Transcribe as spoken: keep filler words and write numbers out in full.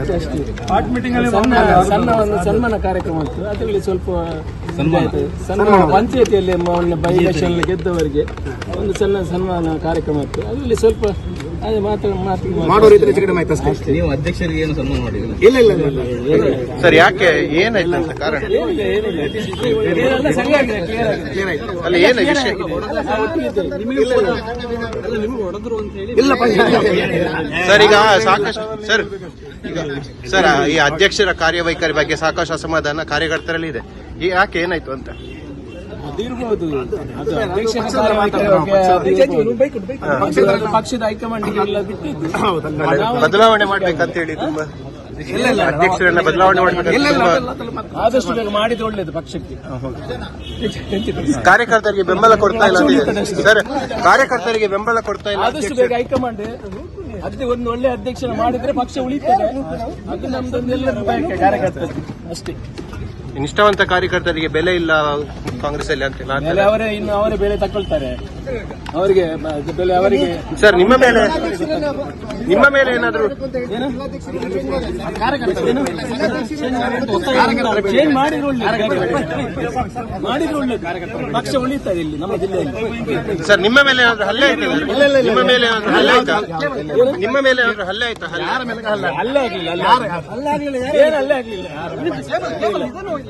ಅಷ್ಟೇ ಅಷ್ಟೇ ಸಣ್ಣ ಸಣ್ಣ ಒಂದು ಸನ್ಮಾನ ಕಾರ್ಯಕ್ರಮ ಇತ್ತು. ಅದರಲ್ಲಿ ಸ್ವಲ್ಪ ಆಯ್ತು. ಸನ್ಮಾನ ಪಂಚಾಯತಿಯಲ್ಲಿ ಮೊನ್ನೆ ಬೈ ಎಲೆಕ್ಷನ್ ಗೆದ್ದವರಿಗೆ ಒಂದು ಸಣ್ಣ ಸನ್ಮಾನ ಕಾರ್ಯಕ್ರಮ ಇತ್ತು. ಅದರಲ್ಲಿ ಸ್ವಲ್ಪ ಅದೇ ಮಾತಾಡ ಮಾತು ನೀವು ಅಧ್ಯಕ್ಷರಿಗೆ ಏನು ಸನ್ಮಾನ ಮಾಡಿಲ್ಲ? ಇಲ್ಲ ಇಲ್ಲ ಇಲ್ಲ ಸರ್, ಯಾಕೆ ಏನಾಯ್ತು ಅಂತ ಕಾರಣ ಏನೆಲ್ಲ ಸರಿಯಾಗಿದೆ, ಕ್ಲಿಯರ್ ಆಗಿದೆ. ಅಲ್ಲ, ಏನು ವಿಷಯ ಸರ್? ಈಗ ಸಾಕಷ್ಟು ಸರ್ ಈಗ ಸರ್ ಈ ಅಧ್ಯಕ್ಷರ ಕಾರ್ಯವೈಖರಿ ಬಗ್ಗೆ ಸಾಕಷ್ಟು ಅಸಮಾಧಾನ ಕಾರ್ಯಕರ್ತರಲ್ಲಿ ಇದೆ. ಈ ಯಾಕೆ ಏನಾಯ್ತು ಅಂತ? ಅದಿರ್ಬೋದು, ಅದು ಅಧ್ಯಕ್ಷರ ಕಾರ್ಯವೈಖರಿ ಬಗ್ಗೆ ಅದು ಪಕ್ಷದ ಹೈಕಮಾಂಡ್ಗೆ ಎಲ್ಲ ಬಿಟ್ಟಿದ್ದು. ಬದಲಾವಣೆ ಮಾಡ್ಬೇಕಂತ ಹೇಳಿ ತುಂಬಾ ಅಧ್ಯಕ್ಷರೆಲ್ಲ ಬದಲಾವಣೆ ಮಾಡ್ಬೇಕು, ಆದಷ್ಟು ಬೇಗ ಮಾಡಿದ್ರೆ ಒಳ್ಳೇದು ಪಕ್ಷಕ್ಕೆ. ಕಾರ್ಯಕರ್ತರಿಗೆ ಬೆಂಬಲ ಕೊಡ್ತಾ ಇಲ್ಲ ಸರ್, ಕಾರ್ಯಕರ್ತರಿಗೆ ಬೆಂಬಲ ಕೊಡ್ತಾ ಇಲ್ಲ. ಆದಷ್ಟು ಬೇಗ ಹೈಕಮಾಂಡ್ ಅದೇ ಒಂದು ಒಳ್ಳೆ ಅಧ್ಯಕ್ಷನ ಮಾಡಿದ್ರೆ ಪಕ್ಷ ಉಳಿತದೆ. ಅದು ನಮ್ದೊಂದು ಎಲ್ಲರೂ ಬಯಕೆ ಕಾರ್ಯಕರ್ತರಿಗೆ ಅಷ್ಟೇ. ನಿಷ್ಠಾವಂತ ಕಾರ್ಯಕರ್ತರಿಗೆ ಬೆಲೆ ಇಲ್ಲ ಕಾಂಗ್ರೆಸ್ ಅಲ್ಲಿ ಅಂತ ಬೆಲೆ ಅವರೇ ಇನ್ನು ಅವರೇ ಬೆಲೆ ತಗೊಳ್ತಾರೆ. ಅವರಿಗೆ ಬೆಲೆ ಅವರಿಗೆ ಸರ್ ನಿಮ್ಮ ಮೇಲೆ ನಿಮ್ಮ ಮೇಲೆ ಏನಾದ್ರು ಚೇಂಜ್ ಮಾಡಿದ್ರೆ ಒಳ್ಳೇದು, ಮಾಡಿದ್ರೆ ಒಳ್ಳೇದು. ಪಕ್ಷ ಉಳಿತದೆ ಇಲ್ಲಿ ನಮ್ಮ ಜಿಲ್ಲೆಯಲ್ಲಿ. ಸರ್ ನಿಮ್ಮ ಮೇಲೆ ಏನಾದ್ರು ಹಲ್ಲೆ ಆಯ್ತಾ? ನಿಮ್ಮ ಮೇಲೆ ಏನಾದ್ರು ಹಲ್ಲೆ ಆಯ್ತಾ? ನಿಮ್ಮ ಮೇಲೆ ಏನಾದ್ರು ಹಲ್ಲೆ ಆಯ್ತಾ? ಹಲ್ಲೆ ಆಗ್ಲಿಲ್ಲ, ಏನು ಹಲ್ಲೆ ಆಗ್ಲಿಲ್ಲ.